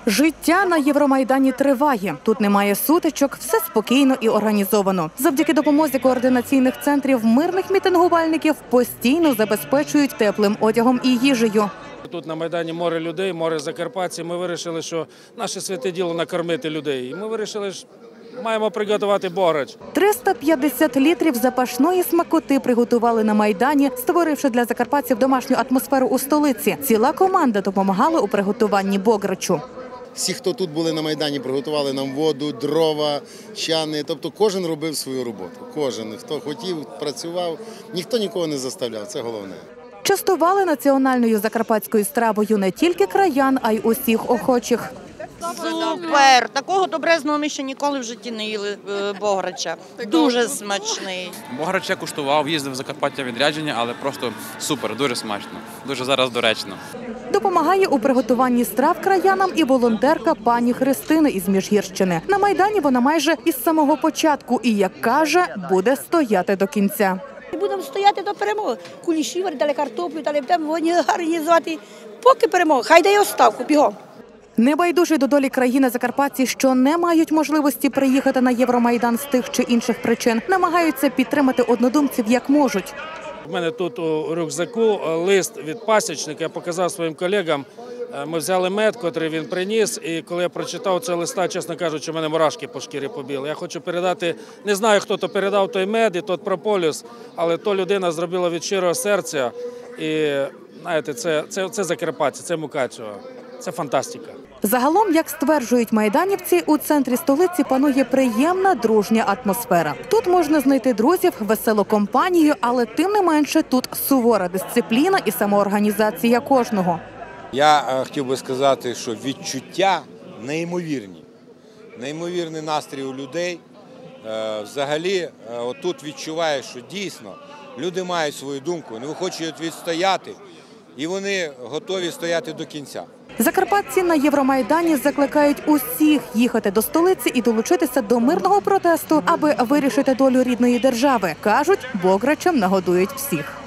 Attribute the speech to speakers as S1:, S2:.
S1: Життя на Євромайдані триває. Тут немає сутичок, все спокійно і організовано. Завдяки допомозі координаційних центрів мирних мітингувальників постійно забезпечують теплим одягом і їжею.
S2: Тут на Майдані море людей, море закарпатців. Ми вирішили, що наше святе діло – накормити людей. І ми вирішили, що маємо приготувати бограч.
S1: 350 літрів запашної смакоти приготували на Майдані, створивши для закарпатців домашню атмосферу у столиці. Ціла команда допомагала у приготуванні бограчу.
S3: Всі, хто тут були на Майдані, приготували нам воду, дрова, чани. Тобто кожен робив свою роботу. Кожен, хто хотів, працював. Ніхто нікого не заставляв, це головне.
S1: Частували національною закарпатською стравою не тільки краян, а й усіх охочих.
S4: Супер! Такого добрезного ми ще ніколи в житті не їли бограча. Дуже смачний.
S5: Бограч я куштував, їздив в Закарпаття відрядження, але просто супер, дуже смачно, дуже зараз доречно.
S1: Допомагає у приготуванні страв краянам і волонтерка пані Христина із Міжгірщини. На Майдані вона майже із самого початку і, як каже, буде стояти до кінця.
S6: Будемо стояти до перемоги. Куліші варили, картоплю, дали будемо організувати, поки перемога. Хай дає оставку, бігом.
S1: Небайдужі до долі країни закарпатці, що не мають можливості приїхати на Євромайдан з тих чи інших причин, намагаються підтримати однодумців як можуть.
S2: У мене тут у рюкзаку лист від пасічника, я показав своїм колегам. Ми взяли мед, який він приніс, і коли я прочитав цей листа, чесно кажучи, у мене мурашки по шкірі побіли. Я хочу передати, не знаю, хто то передав той мед і той прополіс, але то людина зробила від щирого серця. І, знаєте, це закарпатці, це Мукачево, це фантастика.
S1: Загалом, як стверджують майданівці, у центрі столиці панує приємна дружня атмосфера. Тут можна знайти друзів, веселу компанію, але тим не менше тут сувора дисципліна і самоорганізація кожного.
S7: Я хотів би сказати, що відчуття неймовірні. Неймовірний настрій у людей. Взагалі, отут відчуваєш, що дійсно люди мають свою думку, вони хочуть відстояти, і вони готові стояти до кінця.
S1: Закарпатці на Євромайдані закликають усіх їхати до столиці і долучитися до мирного протесту, аби вирішити долю рідної держави. Кажуть, бограчем нагодують всіх.